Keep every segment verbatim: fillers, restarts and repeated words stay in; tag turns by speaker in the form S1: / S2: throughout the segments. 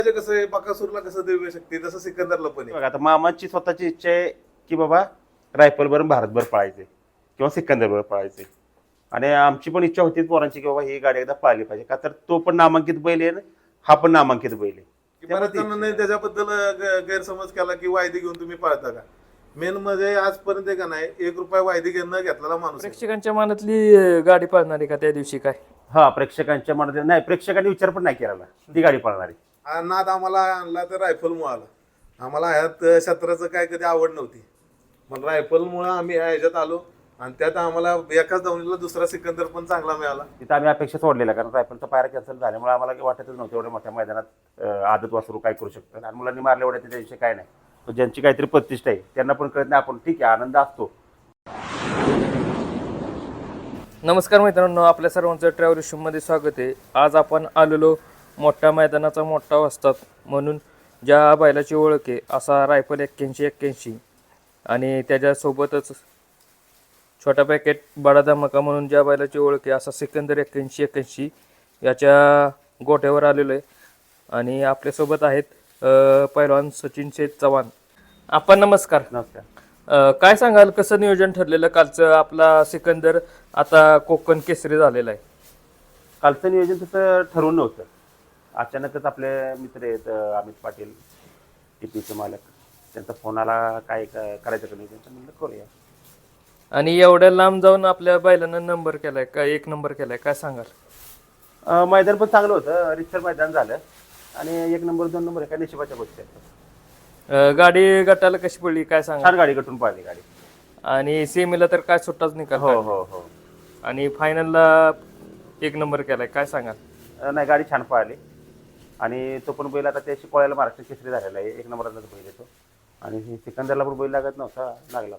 S1: म्हणजे कसं आहे, बकासूरला कसं दिव्य शक्ती तसं सिकंदरला पण आहे.
S2: बघा आता मामाची स्वतःची इच्छा आहे की बाबा रायफलभर भारतभर पळायचे किंवा सिकंदरभर पळायचे. आणि आमची पण इच्छा होती पोरांची की बाबा ही गाडी एकदा पाहिली पाहिजे, का तर तो पण नामांकित बैल आहे हा पण नामांकित बैल आहे.
S1: की
S2: त्यामुळे
S1: बऱ्याच
S2: ती
S1: जणांनी
S2: इच्छा आहे.
S1: त्याच्याबद्दल ग- गैरसमज केला की वायदी घेऊन तुम्ही पळता का. मेन म्हणजे आजपर्यंत आहे का नाही, एक रुपया वायदी घेऊन न घेतलेला माणूस आहे.
S3: प्रेक्षकांच्या मनातली अं, गाडी पाळणार आहे का त्या दिवशी काय?
S2: हा प्रेक्षकांच्या मनात नाही, प्रेक्षकांनी विचार पण नाही केला ती गाडी पळणारी.
S1: हा नाद आम्हाला आणला तर रायफलमुळे आला. आम्हाला ह्यात क्षेत्राचं काय कधी आवड नव्हती, पण रायफलमुळे आम्ही ह्या ह्याच्यात आलो आणि त्यात आम्हाला एकाच धावणीला दुसरा सिकंदर पण चांगला मिळाला.
S2: तिथं आम्ही अपेक्षा सोडलेल्या, कारण रायफलचा पायरा कॅन्सल झाल्यामुळे आम्हाला काही वाटतच नव्हतं एवढ्या मोठ्या मैदानात अं, आदत वासरू काय करू शकतं. आणि मुलांनी मारले एवढ्या त्याच्याविषयी काय नाही. तो ज्यांची काहीतरी प्रतिष्ठा आहे त्यांना पण कळत नाही, आपण ठीक आहे आनंद असतो.
S3: नमस्कार मित्रांनो, आपल्या सर्वांचं ट्रॅव्हल मध्ये स्वागत आहे. आज आपण आलेलो मोठ्या मैदानाचा मोठा वस्ताद म्हणून ज्या बैलाची ओळख आहे असा रायफल एक्क्याऐंशी एक्क्याऐंशी आणि त्याच्यासोबतच छोटा पॅकेट बडा धमाका म्हणून ज्या बैलाची ओळख आहे असा सिकंदर एक्क्याऐंशी एक्क्याऐंशी याच्या गोट्यावर आलेलो आहे. आणि आपल्यासोबत आहेत अ, पैलवान सचिन शेठ चव्हाण. आपण नमस्कार.
S2: नमस्कार.
S3: अ, काय सांगाल, कसं नियोजन ठरलेलं कालचं? आपला सिकंदर आता कोकण केसरी झालेला आहे.
S2: कालचं नियोजन तसं ठरवून नव्हतं, अचानकच आपले मित्र आहेत अं, अमित पाटील टीपीचे मालक, त्यांचा फोन आला काय क- करायचं का नियोजन, म्हणलं करूया.
S3: आणि एवढ्या लांब जाऊन आपल्या बैलानं नंबर केलाय का, एक नंबर केलाय, काय सांगाल?
S2: अं, मैदान पण चांगलं होतं, रिक्सर मैदान झालं आणि एक नंबर दोन नंबर एका नशिबाच्या गोष्टी आहेत.
S3: अ, गाडी गटाला कशी पडली काय सांगा?
S2: छान गाडी गटून पाहिली गाडी.
S3: आणि सेमीला तर काय सुट्टाच निकाल
S2: हो
S3: काढला.
S2: हो हो.
S3: आणि फायनलला एक नंबर केलाय, काय सांगाल?
S2: अं, नाही गाडी छान पाहिली. आणि तो पण बैल आता त्या शिकवायला महाराष्ट्र केसरी झालेला आहे, एक नंबरचाच बैल येतो. आणि सिकंदरला पण बैल लागत नव्हता, लागला.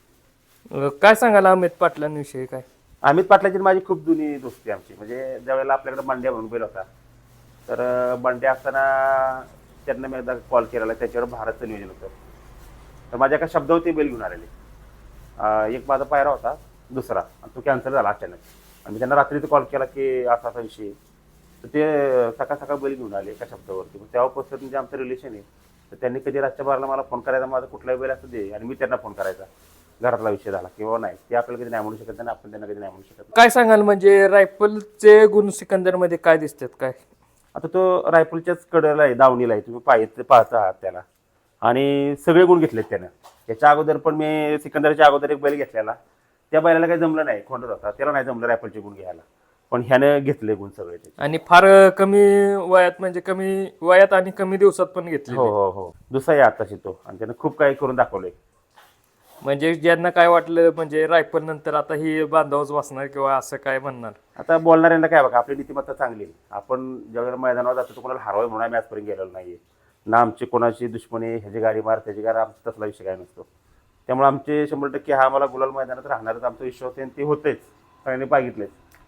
S3: अ, काय सांगाल अमित पाटलांविषयी काय?
S2: अमित पाटलाची आणि माझी खूप जुनी दोस्ती आमची. म्हणजे ज्यावेळेला आपल्याकडे बंड्या म्हणून बैल होता, तर अं, बंड्या असताना त्यांना मी एकदा कॉल केलेला, त्याच्यावर भारतचं नियोजन होतं. तर माझ्या एका शब्दावरती बैल घेऊन आलेले. अं, एक माझा पायरा होता दुसरा, आणि तो कॅन्सल झाला अचानक. आणि मी त्यांना रात्रीच कॉल केला की असा असा विषय, तर ते सकाळ सकाळ बैल घेऊन आले एका शब्दावरती. मग तेव्हापासून म्हणजे आमचं रिलेशन आहे. तर त्यांनी कधी रातच्या बाराला मला फोन करायचा, माझा कुठलाही बैल असू दे, आणि मी त्यांना फोन करायचा. घरातला विषय झाला किंवा नाही, ते आपल्याला कधी नाही म्हणू शकत नाही, आपण त्यांना कधी नाही म्हणू शकत नाही.
S3: काय सांगाल, म्हणजे रायफलचे गुण सिकंदर मध्ये काय दिसतात काय?
S2: आता तो रायफलच्याच कडेला आहे, दावणीला आहे, तुम्ही पाहिजे पाहता आहात त्याला. आणि सगळे गुण घेतलेत त्यानं. याच्या अगोदर पण मी सिकंदरच्या अगोदर एक बैल घेतलेला, त्या बैलाला काही जमलं नाही, खोंडत होता, त्याला नाही जमलं रायफलचे गुण घ्यायला, पण ह्यानं घेतले गुण सगळे त्याचे.
S3: आणि फार कमी वयात, म्हणजे कमी वयात आणि कमी दिवसात पण घेतले.
S2: हो हो हो. दुसरा आहे आताशी तो, आणि त्यानं खूप काही करून दाखवलंय.
S3: म्हणजे ज्यांना काय वाटलं म्हणजे रायफल नंतर आता ही बांधावच वाचणार किंवा असं काय म्हणणार.
S2: आता बोलणाऱ्यांना काय बघा, आपली नीतिमत्ता चांगली आहे. आपण ज्यावेळेला मैदानावर जातो तो कोणाला हरवाय म्हणून आम्ही आजपर्यंत गेलेलो नाहीये ना. आमची कोणाची दुश्मनी, ह्याची गाडी मार त्याची गाडी, आमचा तसला विषय काय नसतो. त्यामुळे आमचे शंभर टक्के हा आम्हाला गुलाल मैदानात राहणारच आमचा विश्वास आहे, आणि ते होतेच, सगळ्यांनी बघितलेच.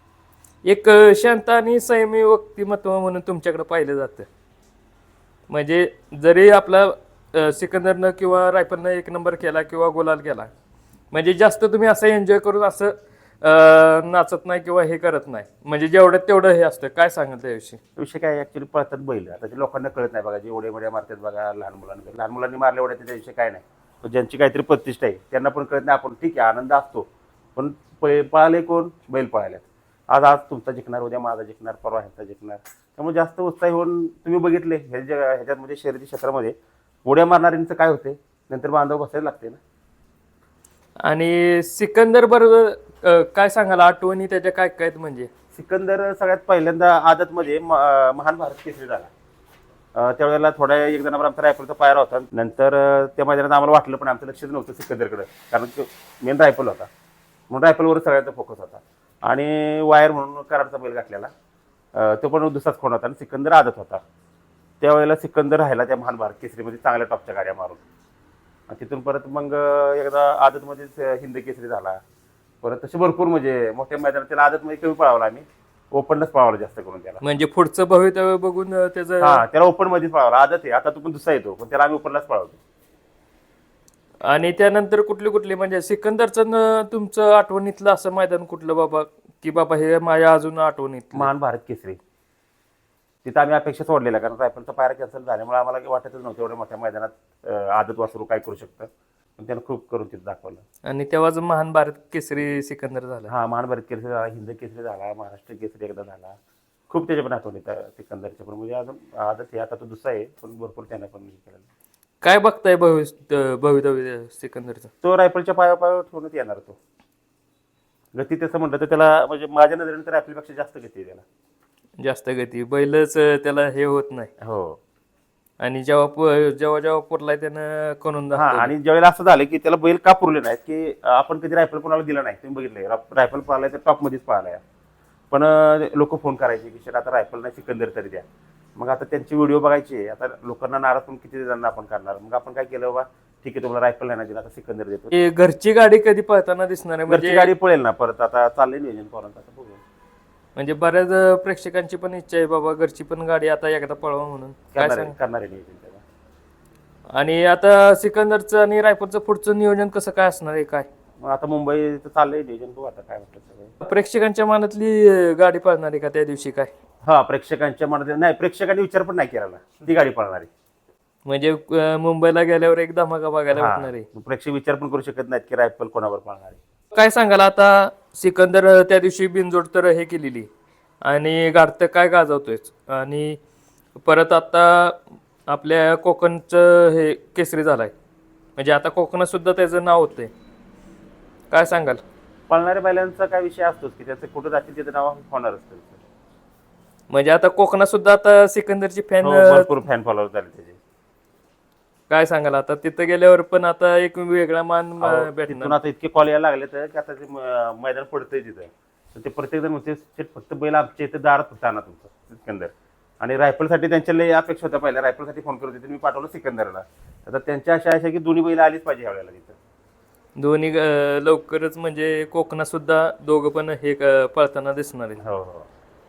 S3: एक अ, शांत आणि संयमी व्यक्तिमत्व म्हणून तुमच्याकडे पाहिलं जातं. म्हणजे जरी आपला अ, सिकंदरनं किंवा रायफलनं एक नंबर केला किंवा गुलाल केला, म्हणजे जास्त तुम्ही असं एन्जॉय करून असं अ, नाचत नाही किंवा हे करत नाही, म्हणजे जेवढं तेवढं हे असतं. काय सांगाल त्याविषयी?
S2: विषय काय ऍक्च्युली पळतात बैल, आता ते लोकांना कळत नाही बघा, जे एवढे मोठ्या मारतात बघा लहान मुलांना, लहान मुलांनी मारले एवढ्या त्याच्याविषयी काय नाही. तो ज्यांची काहीतरी प्रतिष्ठा आहे त्यांना पण कळत नाही, आपण ठीक आहे आनंद असतो, पण पै- पळाले कोण? बैल पळाल्यात. आज आज तुमचा जिंकणार, उद्या माझा जिंकणार, परवा ह्याचा जिंकणार. त्यामुळे जास्त उत्साही होऊन तुम्ही बघितले ह्याच्या ह्याच्यात म्हणजे शर्यती क्षेत्रामध्ये उड्या मारणाऱ्यांचं काय होते, नंतर बांधव बसायला लागते ना.
S3: आणि सिकंदर बरोबर अ, काय सांगाल आठवणी त्याच्या काय काय आहेत? म्हणजे
S2: सिकंदर सगळ्यात पहिल्यांदा आदतमध्ये म- अं, महान भारत केसरी झाला. अं, त्यावेळेला थोड्या एक जणांवर आमचा रायफलचा पायरा होता. नंतर अं, त्या मैदानात आम्हाला वाटलं, पण आमचं लक्षच नव्हतं सिकंदरकडे, कारण मेन रायफल होता, म्हणून रायफलवर सगळ्यांचा फोकस होता. आणि वायर म्हणून कराडचा बैल घातलेला, अं, तो पण दुसराच खोंड होता, आणि सिकंदर आदत होता. त्यावेळेला सिकंदर राहिला त्या महान भारत केसरीमध्ये चांगल्या टॉपच्या गाड्या मारून. आणि तिथून परत मग अं, एकदा आदतमध्येच अं, हिंद केसरी झाला. परत तसे भरपूर म्हणजे मोठ्या मैदानात त्याला आदतमध्ये कमी पळावला, आम्ही ओपनलाच पळावला जास्त करून त्याला.
S3: म्हणजे पुढचं भवितव्य बघून अ, त्याचं.
S2: हा, त्याला ओपन मध्येच पळावला, आदत आहे आता, तो पण दुसरा येतो, पण त्याला आम्ही ओपनलाच पळवतो.
S3: आणि त्यानंतर कुठली कुठली म्हणजे सिकंदरचं न तुमचं आठवणीतलं असं मैदान कुठलं बाबा, की बाबा हे माझ्या अजून आठवणीत?
S2: महान भारत केसरी. तिथं आम्ही अपेक्षा सोडलेल्या, कारण रायफलचा पायरा कॅन्सल झाल्यामुळे आम्हाला काही वाटतच नव्हतं एवढ्या मोठ्या मैदानात अं, आदत वासरू काय करू शकतं. पण त्यानं खूप करून तिथं दाखवलं.
S3: आणि तेव्हाच महान भारत केसरी सिकंदर झाला.
S2: हा महान भारत केसरी झाला, हिंद केसरी झाला, महाराष्ट्र केसरी एकदा झाला. खूप त्याच्या पण आठवणी त्या सिकंदरच्या पण, म्हणजे अजून आदत हे आता तो दुसरा आहे, पण भरपूर त्यानं पण हे केलेलं.
S3: काय बघताय भविष्य भवितव्य सिकंदरचं?
S2: तो रायफलच्या पाया पायावर ठेवण्यात येणार. तो गती तसं म्हटलं तर त्याला, म्हणजे माझ्या नजरेने तर रायफलपेक्षा जास्त गती आहे त्याला.
S3: जास्त गती बैलच त्याला हे होत नाही.
S2: हो.
S3: आणि जेव्हा प- जेव्हा जेव्हा पुरलाय त्यानं करून
S2: हा,
S3: दाखवलं.
S2: आणि ज्यावेळेला असं झालं की त्याला बैल का पुरले नाहीत, की आपण कधी रायफल कोणाला दिला नाही. तुम्ही बघितलंय रायफल पाहिलाय तर टॉप मध्येच पाहिलाय, पण लोक फोन करायचे की शेट आता रायफल नाही सिकंदर तरी द्या. मग आता त्यांचे व्हिडिओ बघायचे, आता लोकांना नाराज पण किती जणांना आपण करणार. मग आपण काय केलं, बाबा ठीक आहे तुम्हाला रायफल नाही ना दिला, आता सिकंदर देतो.
S3: हे घरची गाडी कधी पळताना दिसणार आहे?
S2: घरची
S3: म्हणजे
S2: गाडी पळेल ना परत, आता चाललंय नियोजन पोरांचं, आता बघू.
S3: म्हणजे बऱ्याच प्रेक्षकांची पण इच्छा आहे बाबा घरची पण गाडी आता एकदा पळवा म्हणून. काय
S2: करणार
S3: सांग?
S2: आहे करणार आहे नियोजन त्याला.
S3: आणि आता सिकंदरचं आणि रायफलचं पुढचं नियोजन कसं काय असणार आहे काय?
S2: मग आता मुंबईचं चाललंय नियोजन, बघू आता काय म्हटलं सगळं.
S3: प्रेक्षकांच्या मनातली अं, गाडी पळणार आहे का त्या दिवशी काय?
S2: हा, प्रेक्षकांच्या मनात नाही, प्रेक्षकांनी विचार पण नाही केला ना, ती गाडी पळणार आहे.
S3: म्हणजे अं, मुंबईला गेल्यावर एक धमाका बघायला भेटणार आहे.
S2: हा, प्रेक्षक विचार पण करू शकत नाहीत की रायफल कोणावर पळणार आहे.
S3: काय सांगाल आता सिकंदर अं, त्या दिवशी बिनजोड तर हे केलेली आणि गाडतं काय गाजवतोय, आणि परत आता आपल्या कोकणचं हे केसरी झालाय, म्हणजे आता कोकणात सुद्धा त्याचं नाव होतंय. काय सांगाल?
S2: पळणाऱ्या बैलांचा काय विषय असतोच की त्याचं कुठं जातील त्याचं नाव होणारच त्याचं.
S3: म्हणजे आता कोकणात सुद्धा आता सिकंदरची फॅन
S2: हो, भरपूर फॅन फॉलोअर झाले त्याचे.
S3: काय सांगाल आता तिथं गेल्यावर पण आता एक वेगळा मान अं,
S2: तिथून
S3: भेटणार.
S2: आता इतके कॉल यायला लागले तर की आता ते म- मैदान पडतंय तिथं, तर ते प्रत्येक जण म्हणते "शेट, फक्त बैल आमच्या इथं दारात फक्त आणा तुमचं सिकंदर." आणि रायफलसाठी त्यांच्या लय अपेक्षा होत्या, पहिल्या रायफलसाठी फोन करत होते, मी पाठवलं सिकंदरला. आता त्यांच्या अशा अशा की दोन्ही बैल आलीच पाहिजे ह्या वेळेला तिथं.
S3: दोन्ही अं, लवकरच म्हणजे कोकणात सुद्धा दोघं पण हे अं, पळताना दिसणार आहे.
S2: हो हो.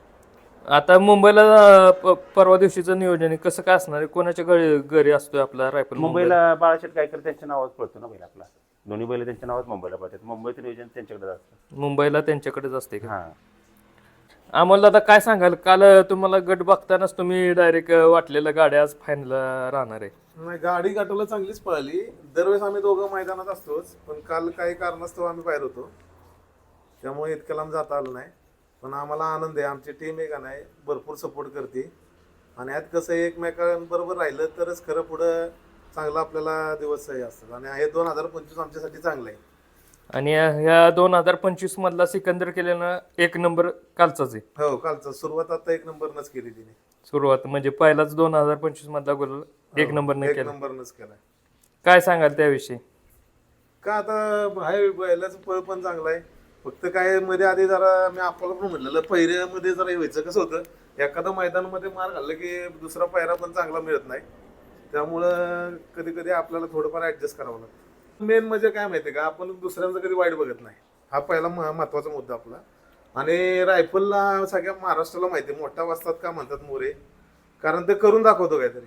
S3: आता मुंबईला अं, प- परवा दिवशीचं नियोजन आहे, कसं काय असणार आहे? कोणाच्या घरी घरी असतोय आपला रायफल?
S2: मुंबईला बाळाशेठ गायकर त्यांच्या नावात पळतो ना बैल आपला, दोन्ही बैल त्यांच्या नावात मुंबईला पळतात. मुंबईचं नियोजन त्यांच्याकडे असतं.
S3: मुंबईला त्यांच्याकडेच असते का?
S2: हा.
S3: आम्हाला आता काय सांगाल, काल तुम्हाला गट बघतानाच तुम्ही डायरेक्ट वाटलेलं गाड्या आज फायनल राहणार आहे.
S1: नाही, गाडी गाठवलं चांगलीच पळाली. दरवेळेस आम्ही दोघं मैदानात असतोच, पण काल काही कारणास्तव आम्ही बाहेर होतो, त्यामुळे इतक्या लांब जाता आलं नाही. पण आम्हाला आनंद आहे, आमची टीम आहे का नाही भरपूर सपोर्ट करते. आणि यात कसं आहे, एकमेकांबरोबर राहिलं तरच खरं पुढं चांगलं आपल्याला दिवस हे असतात. आणि हे दोन हजार पंचवीस आमच्यासाठी चांगलं आहे.
S3: आणि ह्या दोन हजार पंचवीस मधला सिकंदर केलेला एक नंबर कालचाच आहे.
S1: हो, कालचं सुरुवात आता एक नंबरनंच केली तिने.
S3: सुरुवात म्हणजे पहिलाच दोन हजार पंचवीस मधला गोल एक नंबरने
S1: एक
S3: केला.
S1: नंबरनंच केलाय.
S3: काय सांगाल त्याविषयी?
S1: का आता आहे बैलाचं पळ पण चांगलं आहे. फक्त काय मध्ये आधी जरा मी आपल्याला पण म्हणलेलं पहिऱ्यामध्ये जरा हे व्हायचं, कसं होतं एखादं मैदानामध्ये मार घाललं की दुसरा पायरा पण चांगला मिळत नाही, त्यामुळं कधी कधी आपल्याला थोडंफार ऍडजस्ट करावं लागतं. मेन म्हणजे काय माहिती का, आपण दुसऱ्यांचं कधी वाईट बघत नाही, हा पहिला महत्वाचा मुद्दा आपला. आणि रायफलला सगळ्या महाराष्ट्राला माहिती आहे मोठा वाजतात का म्हणतात मोरे, कारण ते करून दाखवतो काहीतरी.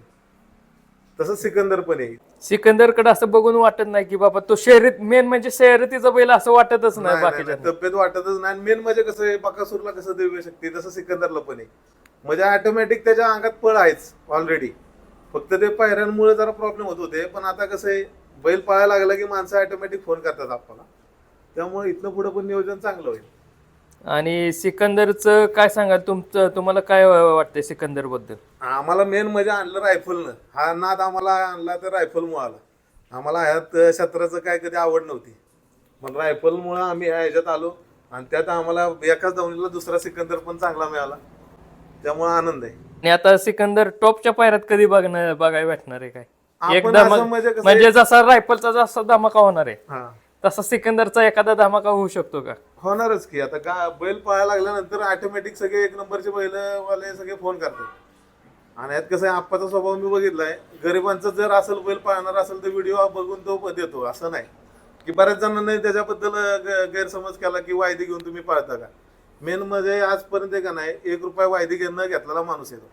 S1: तसं सिकंदर पण आहे.
S3: सिकंदरकडे असं बघून वाटत नाही की बाबा तो शर्यत, मेन म्हणजे शर्यतीचा बैल असं वाटतच नाही
S1: नाही, नाही,
S3: बाकीच्या.
S1: नाही, तब्येत वाटतच नाही. मेन म्हणजे कसं आहे, बकासूरला कसं देऊ शकते तसं सिकंदरला पण आहे. म्हणजे ऑटोमॅटिक त्याच्या अंगात पळ आहेच ऑलरेडी, फक्त ते पायऱ्यांमुळे जरा प्रॉब्लेम होत होते. पण आता कसं आहे, बैल पळायला लागला की माणसं ऑटोमॅटिक फोन करतात आपल्याला, त्यामुळे इथनं पुढे पण नियोजन चांगलं होईल.
S3: आणि सिकंदरचं काय सांगाल तुमचं, तुम्हाला काय वाटतंय सिकंदर बद्दल?
S1: आम्हाला मेन म्हणजे आणलं रायफलनं, हा नाद आम्हाला आणला तर रायफलमुळे आला. आम्हाला ह्यात क्षेत्राचं काय कधी आवड नव्हती, पण रायफलमुळे आम्ही ह्या ह्याच्यात आलो. आणि त्यात आम्हाला एकाच धावणीला दुसरा सिकंदर पण चांगला मिळाला, त्यामुळे आनंद आहे.
S3: आणि आता सिकंदर टॉपच्या पायऱ्यात कधी बघणं बघायला भेटणार आहे काय?
S1: आपण
S3: एकदम
S1: असं म्हणजे कसं
S3: म्हणजे जसा रायफलचा जसा धमाका होणार आहे
S1: हा
S3: तसा सिकंदरचा एखादा धमाका होऊ शकतो का?
S1: होणारच की. आता गा बैल पळायला लागल्यानंतर ऑटोमॅटिक सगळे एक नंबरचे बैलवाले सगळे फोन करतात. आणि यात कसं आहे, आप्पाचा स्वभाव मी बघितलाय, गरिबांचं जर असेल बैल पाळणार असेल तर व्हिडिओ बघून तो देतो, असं नाही की बऱ्याच जणांनी त्याच्याबद्दल गैरसमज केला की वायदी घेऊन तुम्ही पाळता का. मेन म्हणजे आजपर्यंत का नाही एक रुपया वायदी घेणं घेतलेला माणूस येतो.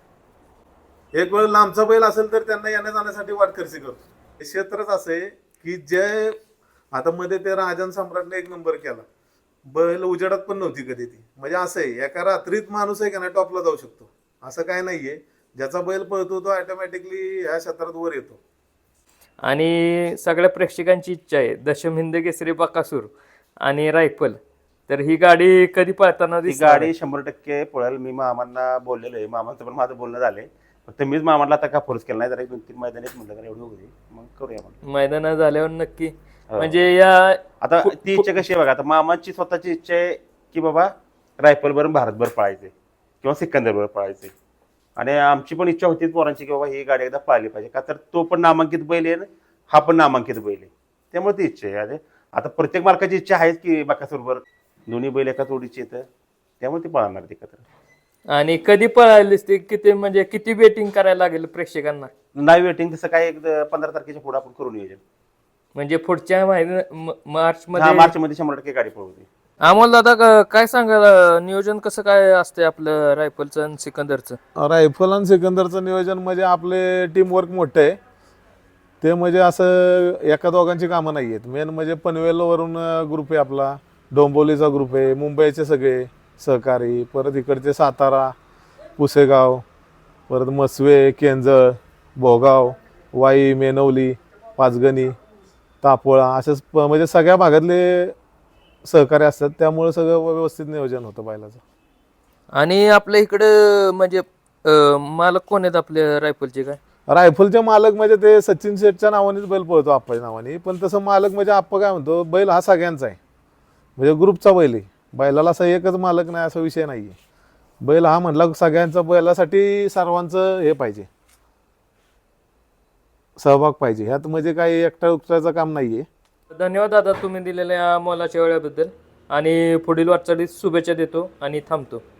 S1: एक वेळ लांबचा बैल असेल तर त्यांना येण्या जाण्यासाठी वाट खर्ची करतो. हे क्षेत्रच असं आहे की जे आता मध्ये ते राजन सम्राटने एक नंबर केला, बैल उजेडात पण नव्हती कधी ती. म्हणजे असं आहे, एका रात्रीत माणूस आहे का नाही टॉपला जाऊ शकतो, असं काय नाहीये. ज्याचा बैल पळतो तो ऑटोमॅटिकली ह्या क्षेत्रात वर येतो.
S3: आणि सगळ्या प्रेक्षकांची इच्छा आहे दशम हिंद केसरी बकासूर आणि रायफल, तर ही गाडी कधी पळताना
S2: ती
S3: दिसणार आहे?
S2: गाडी शंभर टक्के पळेल. मी मामांना बोललेलो आहे, मामांचं पण माझं बोलणं झालंय. फक्त मीच मामाला आता का फोर्स केला नाही, जरा एक दोन तीन मैदानीच म्हटलं तर एवढी होती मग करूया म्हणलं.
S3: मैदानात झाल्यावर नक्की
S2: हो.
S3: म्हणजे या
S2: आता ती इच्छा कशी आहे बघा, आता मामांची स्वतःची इच्छा आहे की बाबा रायफल बरं भारतभर पळायचे किंवा सिकंदरभर पळायचे, आणि आमची पण इच्छा होती पोरांची की बाबा ही गाडी एकदा पाहिली पाहिजे, का तर तो पण नामांकित बैल आहे हा पण नामांकित बैल आहे, त्यामुळे ती इच्छा आहे. आणि आता प्रत्येक मालकाची इच्छा आहेच की बकासूरभर दोन्ही बैल एका जोडीची येतं, त्यामुळे ती पळणार ती एकत्र.
S3: आणि कधी पळालीस ते किती म्हणजे किती वेटिंग करायला लागेल प्रेक्षकांना?
S2: नाही वेटिंग तसं काय एक पंधरा तारखेच्या पुढे आपण करू नियोजन.
S3: म्हणजे पुढच्या महिन्या मार्च
S2: हा
S3: मध्ये
S2: मार्च मध्ये शंभर टक्के गाडी पळवते.
S3: अमोल दादा क- काय सांगाल नियोजन कसं काय असते आपलं रायफलचं आणि सिकंदरचं?
S1: रायफल आणि सिकंदरचं नियोजन म्हणजे आपले टीमवर्क मोठं आहे. ते म्हणजे असं एका दोघांची कामं नाही आहेत. मेन म्हणजे पनवेलवरून ग्रुप आहे आपला, डोंबिवलीचा ग्रुप आहे, मुंबईचे सगळे सहकारी, परत इकडचे सातारा, पुसेगाव, परत मसवे, केंजळ, भोगाव, वाई, मेनवली, पाचगणी, तापोळा, असेच प- म्हणजे सगळ्या भागातले सहकारी असतात. त्यामुळे सगळं व्यवस्थित नियोजन होतं बैलाचं.
S3: आणि आपल्या इकडं म्हणजे अं, मालक कोण आहेत आपल्या रायफलचे काय?
S1: रायफलचे मालक म्हणजे ते सचिन शेठच्या नावानेच बैल पळतो, आप्पाच्या नावाने. पण तसं मालक म्हणजे आप्पा काय म्हणतो, बैल हा सगळ्यांचा आहे, म्हणजे ग्रुपचा बैल आहे. बैलाला असं एकच मालक नाही असा विषय नाही आहे. बैल हा म्हटला सगळ्यांचा, बैलासाठी सर्वांचं हे पाहिजे, सहभाग पाहिजे. ह्यात म्हणजे काही एकटा उकटायचं काम नाही आहे.
S3: धन्यवाद दादा तुम्ही दिलेल्या मोलाच्या वेळेबद्दल, आणि पुढील वाटचालीस शुभेच्छा देतो आणि थांबतो.